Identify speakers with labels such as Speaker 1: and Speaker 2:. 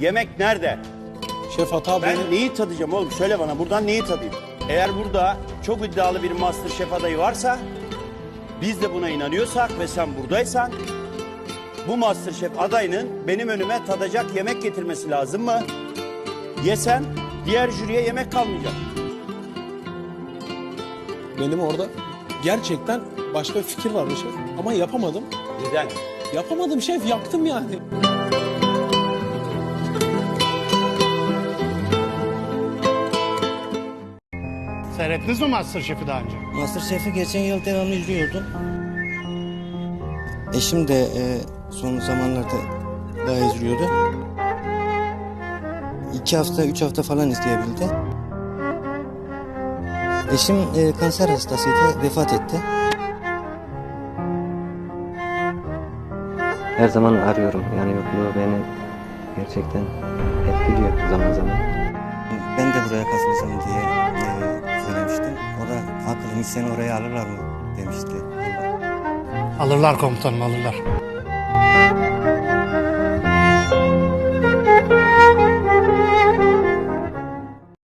Speaker 1: Yemek nerede?
Speaker 2: Şef hata
Speaker 1: Ben
Speaker 2: benim.
Speaker 1: neyi tadacağım oğlum? Söyle bana buradan neyi tadayım? Eğer burada çok iddialı bir MasterChef adayı varsa, biz de buna inanıyorsak ve sen buradaysan, bu MasterChef adayının benim önüme tadacak yemek getirmesi lazım mı? Yesem diğer jüriye yemek kalmayacak.
Speaker 2: Benim orada gerçekten başka bir fikir vardı şef. Ama yapamadım.
Speaker 1: Neden?
Speaker 2: Yapamadım şef, yaktım yani.
Speaker 3: Seyrettiniz mi MasterChef'i daha önce?
Speaker 4: MasterChef'i geçen yıl devamlı izliyordum. Eşim de son zamanlarda bayağı izliyordu. 2 hafta, 3 hafta falan izleyebildi. Eşim kanser hastasıydı, vefat etti.
Speaker 5: Her zaman arıyorum. Yani yokluğu beni gerçekten etkiliyor zaman zaman.
Speaker 4: Ben de buraya katılacağım diye söylemiştim. O da haklı, seni oraya alırlar mı demişti.
Speaker 3: Alırlar komutanım, alırlar.